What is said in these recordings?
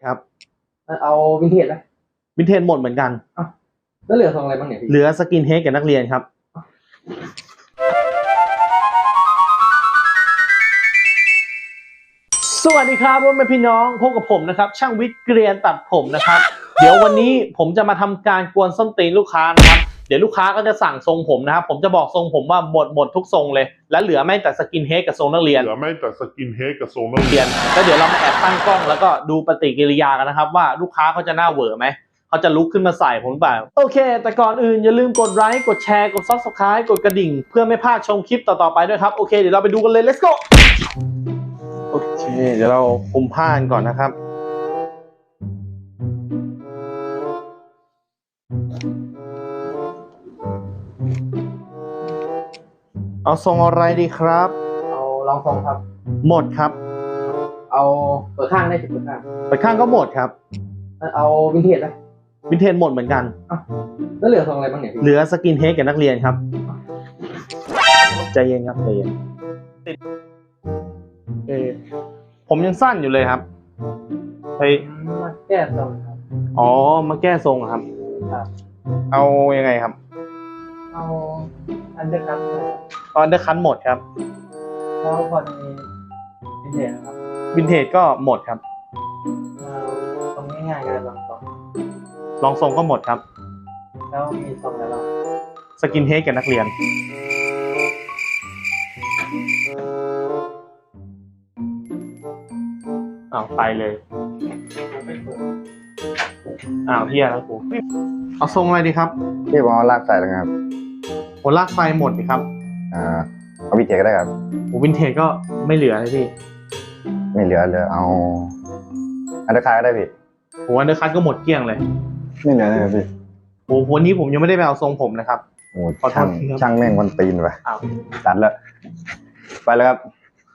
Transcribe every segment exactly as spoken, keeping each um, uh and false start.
ครับเอาวินเทจไหมวินเทจหมดเหมือนกันอ้าวแล้วเหลือทรงอะไรบ้างเนี่ยพี่เหลือสกินเฮดกับนักเรียนครับสวัสดีครับพ่อแม่พี่น้องพบกับผมนะครับช่างวิทย์เกรียนตัดผมนะครับเดี๋ยววันนี้ผมจะมาทำการกวนส้นตีนลูกค้านะครับเดี๋ยวลูกค้าก็จะสั่งทรงผมนะครับผมจะบอกทรงผมว่าหมดหมดทุกทรงเลยและเหลือไม่แต่สกินเฮดกับทรงนักเรียนเหลือไม่แต่สกินเฮดกับทรงนักเรียนแล้วเดี๋ยวเรามาแอบตั้งกล้องแล้วก็ดูปฏิกิริยากันนะครับว่าลูกค้าเขาจะหน้าเหวอไหมเขาจะลุกขึ้นมาใส่ผมหรือเปล่าโอเคแต่ก่อนอื่นอย่าลืมกดไลค์กดแชร์กด ซับสไครบ์ กดกระดิ่งเพื่อไม่พลาดชมคลิปต่อๆไปด้วยครับโอเคเดี๋ยวเราไปดูกันเลย let's go โอเคเดี๋ยวเราคุมผ้ากันก่อนนะครับเอาทรงอะไรดีครับเอาลองทรงครับหมดครับเอาเปิดข้างได้สิเปิดข้างเปิดข้างก็หมดครับเอาวินเทจไหมวินเทจหมดเหมือนกันอ้าวแล้วเหลือทรงอะไรบ้างเนี่ยเหลือสกินเฮดกับนักเรียนครับใจเย็นครับใจเย็นเออผมยังสั้นอยู่เลยครับไปมาแก้ทรงครับอ๋อมาแก้ทรงครับครับเอายังไงครับเอาอันเดอร์คัทตอนเดอร์คัทหมดครับแล้วพอมีวินเทจนะครับวินเทจก็หมดครับตรงง่ายๆกันลองทรงลองทรงก็หมดครับแล้วมีทรงอะไรบ้างสกินเฮดกับนักเรียนอ้าวไปเลยอ้าวเฮียแล้วกูเอาทรงอะไรดีครับพี่ผมเอาลากใส่แล้วครับโหลากไฟหมดดิครับอ่าเอาวินเทจก็ได้ครับโหวินเทจก็ไม่เหลือเลยพี่ไม่เหลือเลยเอาอันเดอร์คัทก็ได้พี่โหอันเดอร์คัทก็หมดเกลี้ยงเลยไม่เหลือเลยพี่โหวันนี้ผมยังไม่ได้ไปเอาทรงผมนะครับโอ้ช่างช่างแม่งวันตีนว่ะตัดแล้วไปแล้วครับ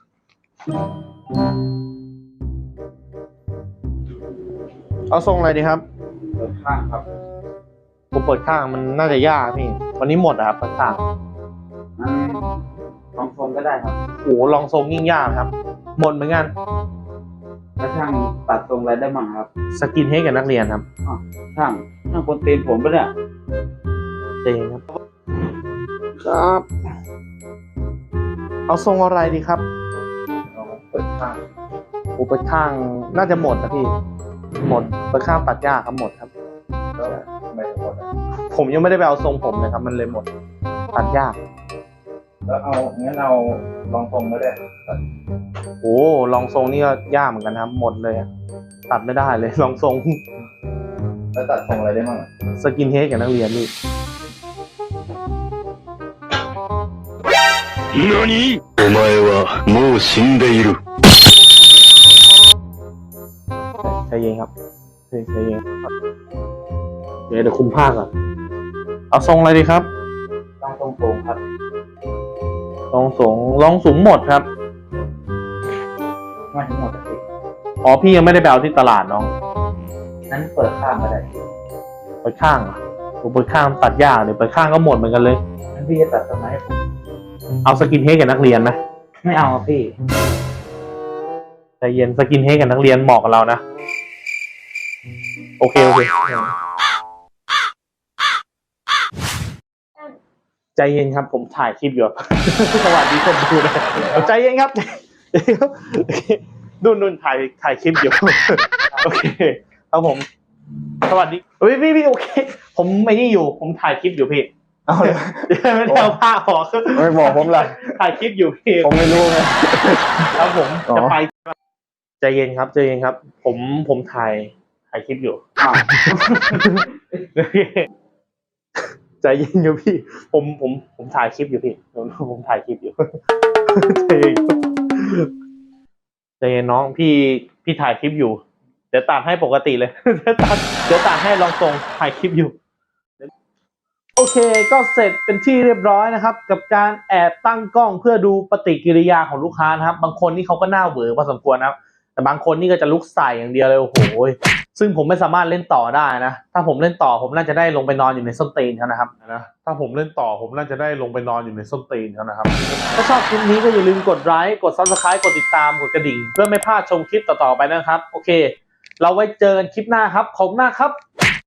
เอาทรงอะไรดีครับเปิดข้างครับผมเปิดข้างมันน่าจะยากพี่วันนี้หมดอะครับเปิดข้างลองทรงก็ได้ครับโอ้ลองทรงยิ่งยากครับหมดเหมือนกันแล้วช่างตัดทรงอะไรได้บ้างครับสกินเฮดกับนักเรียนครับอ๋อช่างช่างคนตีนผมปะเนี่ยเจงครับครับเอาทรงอะไรดีครับเปิดข้างโอ้เปิดข้างน่าจะหมดนะพี่หมดเปิดข้างตัดยากครับหมดครับไม่หมดผมยังไม่ได้ไปเอาทรงผมเลยครับมันเลยหมดตัดยากแล้วเอางั้นเอาลองทรงก็ได้โอ้ลองทรงนี่ก็ยากเหมือนกันครับหมดเลยตัดไม่ได้เลยลองทรงแล้วตัดทรงอะไรได้บ้างสกินเฮดกับนักเรียนนี่何お前はもう死んでいるใจเย็นครับใจเย็นเดี๋ยวเดี๋ยวคุมผ้าก่อนเอาทรงอะไรดีครับลองทรงสูงครับลองสูงลองสูงหมดครับไม่ทั้งหมดสิอ๋อพี่ยังไม่ได้ไปเอาที่ตลาดน้องนั้นเปิดข้างก็ได้เปิดข้างผมเปิดข้างตัดยากเดี๋ยวเปิดข้างก็หมดเหมือนกันเลยงั้นพี่จะตัดตรงไหนให้ผมเอาสกินเฮดกับนักเรียนไหมไม่เอาพี่ใจเย็นสกินเฮดกับนักเรียนเหมาะกับเรานะโอเคโอเคใจเย็นครับผมถ่ายคลิปอยู่สวัสดีคนดูนะใจเย็นครับนุ่นนุ่นถ่ายถ่ายคลิปอยู่โอเคครับผมสวัสดีพี่พี่พี่โอเคผมไม่นี่อยู่ผมถ่ายคลิปอยู่พี่เอาเลยไม่ได้เอาผ้าออกไม่บอกผมเลยถ่ายคลิปอยู่พี่ผมไม่รู้ไงแล้วผมจะไปใจเย็นครับใจเย็นครับผมผมถ่ายถ่ายคลิปอยู่ใจเย็นอยู่พี่ผมผมผมถ่ายคลิปอยู่พี่ผมผมถ่ายคลิปอยู่ใจเย็นใจเย็นน้องพี่พี่ถ่ายคลิปอยู่เดี๋ยวตัดให้ปกติเลยเดี๋ยวตัดเดี๋ยวตัดให้ลองทรงถ่ายคลิปอยู่โอเคก็เสร็จเป็นที่เรียบร้อยนะครับกับการแอบตั้งกล้องเพื่อดูปฏิกิริยาของลูกค้านะครับบางคนนี่เขาก็หน้าเหวอพอสมควรนะครับแต่บางคนนี่ก็จะลุกใส่อย่างเดียวเลยโอ้โหซึ่งผมไม่สามารถเล่นต่อได้นะถ้าผมเล่นต่อผมน่าจะได้ลงไปนอนอยู่ในส้นตีนเขานะครับนะถ้าผมเล่นต่อผมน่าจะได้ลงไปนอนอยู่ในส้นตีนเขานะครับถ้าชอบคลิปนี้ก็อย่าลืมกดไลค์กด ซับสไครบ์ กดติดตามกดกระดิ่งเพื่อไม่พลาดชมคลิปต่อๆไปนะครับโอเคเราไว้เจอกันคลิปหน้าครับขอบคุณมากครับ